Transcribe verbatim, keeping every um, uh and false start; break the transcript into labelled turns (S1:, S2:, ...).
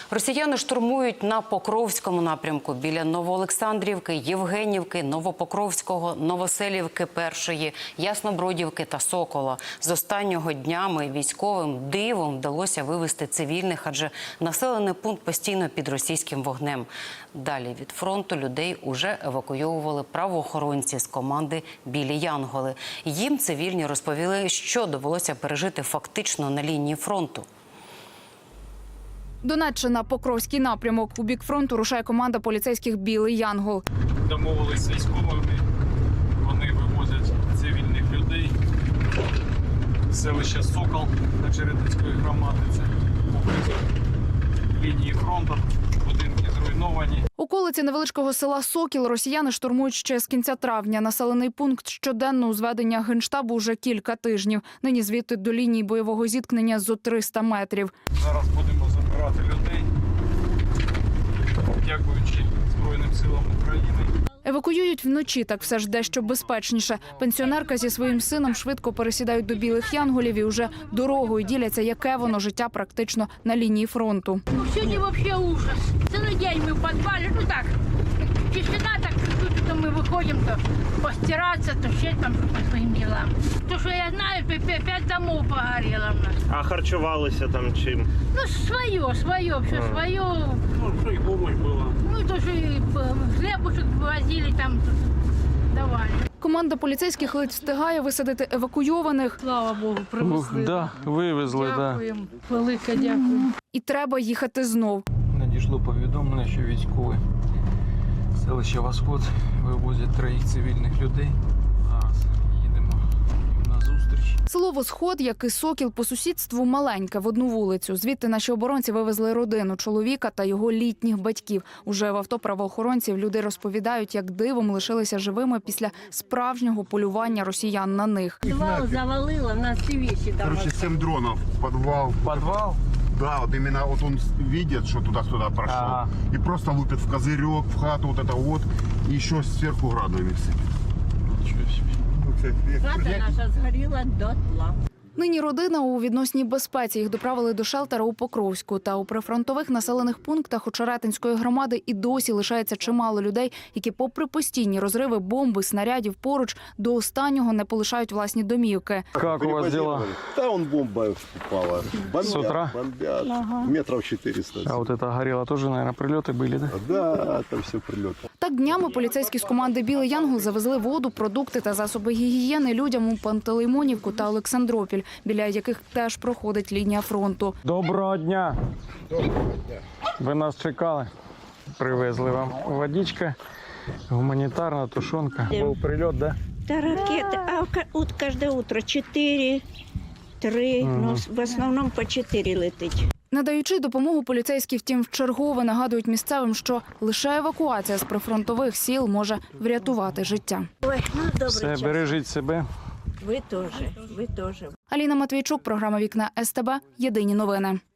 S1: Росіяни штурмують на Покровському напрямку біля Новоолександрівки, Євгенівки, Новопокровського, Новоселівки першої, Яснобродівки та Сокола. З останнього днями військовим дивом вдалося вивести цивільних, адже населений пункт постійно під російським вогнем. Далі від фронту людей уже евакуйовували правоохоронці з команди «Білі Янголи». Їм цивільні розповіли, що довелося пережити фактично на лінії фронту.
S2: Донеччина, Покровський напрямок. У бік фронту рушає команда поліцейських «Білий Янгол».
S3: Домовились з військовими, вони вивозять цивільних людей. Селище Сокол Очеретинської громади, це поблизу лінії фронту, будинки зруйновані.
S2: Околиці невеличкого села Сокіл росіяни штурмують ще з кінця травня. Населений пункт щоденно у зведення Генштабу вже кілька тижнів. Нині звідти до лінії бойового зіткнення зо триста метрів.
S3: Зараз будемо забирати людей, дякуючи Збройним силам України.
S2: Евакуюють вночі, так все ж дещо безпечніше. Пенсіонерка зі своїм сином швидко пересідають до «Білих Янголів» і вже дорогою діляться, яке воно життя практично на лінії фронту.
S4: Ну, сьогодні взагалі ужас. Цілий день ми в підвалі, ну так, тишина, так чуть-чуть, то ми виходимо, то постиратися, то ще там по своїм ділам. То, що я знаю, п'ять домов погоріло в нас.
S5: А харчувалися там чим?
S4: Ну, своє, своє, все своє.
S3: Ну, що і помощь була.
S4: Ну, то, що і хлібушек возили там, давали.
S2: Команда поліцейських ледь встигає висадити евакуйованих.
S4: Слава Богу, привезли.
S3: Да, вивезли,
S4: Дякуємо, велике дякуємо.
S2: І треба їхати знов.
S3: Надійшло повідомлення, що військові селища Восход вивозять троїх цивільних людей. Зараз їдемо їм на зустріч.
S2: Село Восход, як і Сокіл, по сусідству маленьке, в одну вулицю. Звідти наші оборонці вивезли родину, чоловіка та його літніх батьків. Уже в авто правоохоронців люди розповідають, як дивом лишилися живими після справжнього полювання росіян на них.
S4: Підвал завалило, в нас всі вещи там.
S6: Короче, семь дронов, подвал.
S3: Подвал?
S6: Да, вот именно вот он видит, что туда-сюда прошел.
S3: Ага.
S6: И просто лупит в козырек, в хату, вот это вот. И еще сверху градами все.
S3: Нічого собі.
S4: Хата наша згоріла дотла.
S2: Нині родина у відносній безпеці. Їх доправили до шелтера у Покровську. Та у прифронтових населених пунктах Очеретинської громади і досі лишається чимало людей, які попри постійні розриви бомби, снарядів поруч, до останнього не полишають власні домівки.
S3: Як у вас дела?
S7: Да, он бомба упала. Бомбят,
S3: С утра?
S7: бомбят. Метров четыреста.
S3: А вот это горело тоже, наверное, прилеты были, да?
S7: Да, там все прилеты.
S2: Так днями поліцейські з команди «Білий Янгол» завезли воду, продукти та засоби гігієни людям у Пантелеймонівку та Олександропіль, біля яких теж проходить лінія фронту.
S3: Доброго дня. Доброго дня. Ви нас чекали. Привезли вам водичка, гуманітарна тушонка. Був прильот, да?
S8: Да, ракеты. А ка- ут- каждое утро четыре, три, ну, в основном по четыре летить.
S2: Надаючи допомогу, поліцейські, втім, вчергове нагадують місцевим, що лише евакуація з прифронтових сіл може врятувати життя.
S8: Ой, ну добрый
S3: Все,
S8: час.
S3: бережіть себе.
S8: Вы тоже, вы тоже.
S2: Аліна Матвійчук, програма «Вікна ес те бе», єдині новини.